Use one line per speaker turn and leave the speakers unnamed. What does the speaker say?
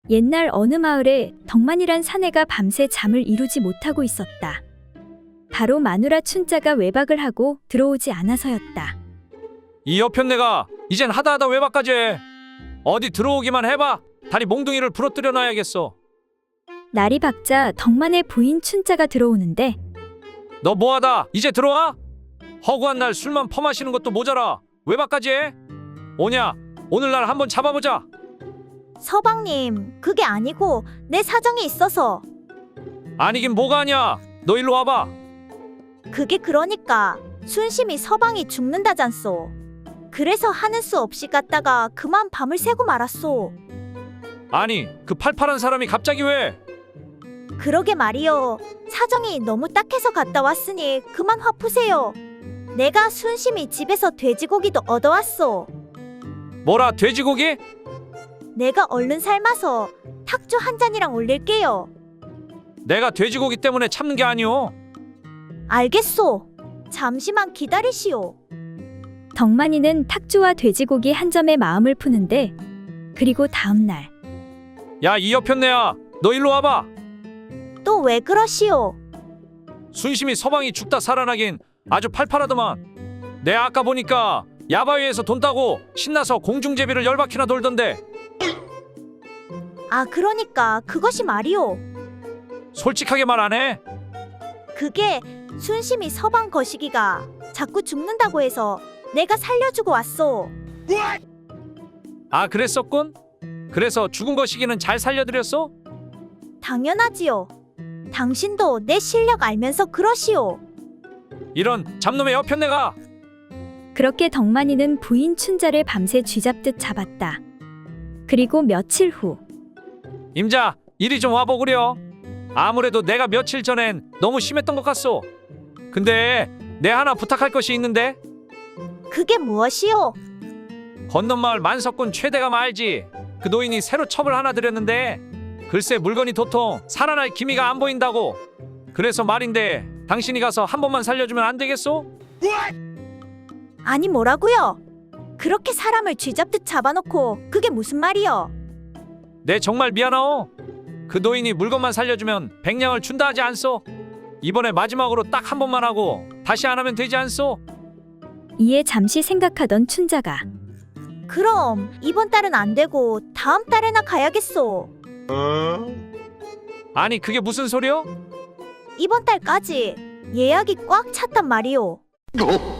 옛날 어느 마을에 덕만이란 사내가 밤새 잠을 이루지 못하고 있었다. 바로 마누라 춘자가 외박을 하고 들어오지 않아서였다.
이 여편네가 이젠 하다 외박까지 해. 어디 들어오기만 해봐. 다리 몽둥이를 부러뜨려 놔야겠어.
날이 밝자 덕만의 부인 춘자가 들어오는데
너 뭐하다 이제 들어와? 허구한 날 술만 퍼마시는 것도 모자라 외박까지 해? 오냐 오늘날 한번 잡아보자.
서방님, 그게 아니고 내 사정이 있어서.
아니긴 뭐가 아니야. 너 일로 와봐.
그게 그러니까 순심이 서방이 죽는다잖소. 그래서 하는 수 없이 갔다가 그만 밤을 새고 말았소.
아니 그 팔팔한 사람이 갑자기 왜?
그러게 말이요. 사정이 너무 딱해서 갔다 왔으니 그만 화 푸세요. 내가 순심이 집에서 돼지고기도 얻어왔소.
뭐라 돼지고기?
내가 얼른 삶아서 탁주 한 잔이랑 올릴게요.
내가 돼지고기 때문에 참는 게 아니오.
알겠소. 잠시만 기다리시오.
덕만이는 탁주와 돼지고기 한 점에 마음을 푸는데 그리고 다음 날
야 이 여편네야 너 일로 와봐.
또 왜 그러시오?
순심이 서방이 죽다 살아나긴 아주 팔팔하더만. 내 아까 보니까 야바위에서 돈 따고 신나서 공중제비를 열바퀴나 돌던데.
아, 그러니까 그것이 말이오.
솔직하게 말 안 해?
그게 순심이 서방 거시기가 자꾸 죽는다고 해서 내가 살려주고 왔소.
아 그랬었군? 그래서 죽은 거시기는 잘 살려드렸어?
당연하지요. 당신도 내 실력 알면서 그러시오.
이런 잡놈의 여편네가.
그렇게 덕만이는 부인 춘자를 밤새 쥐잡듯 잡았다. 그리고 며칠 후
임자 이리 좀 와보구려. 아무래도 내가 며칠 전엔 너무 심했던 것 같소. 근데 내 하나 부탁할 것이 있는데.
그게 무엇이오?
건넌마을 만석군 최대감 알지? 그 노인이 새로 첩을 하나 들였는데 글쎄 물건이 도통 살아날 기미가 안 보인다고. 그래서 말인데 당신이 가서 한 번만 살려주면 안 되겠소?
아니 뭐라고요? 그렇게 사람을 쥐잡듯 잡아놓고 그게 무슨 말이여?
내 정말 미안하오. 그 노인이 물건만 살려주면 100냥을 준다 하지 않소? 이번에 마지막으로 딱 한 번만 하고 다시 안 하면 되지 않소?
이에 잠시 생각하던 춘자가
그럼 이번 달은 안 되고 다음 달에나 가야겠소.
아니 그게 무슨 소리요?
이번 달까지 예약이 꽉 찼단 말이오.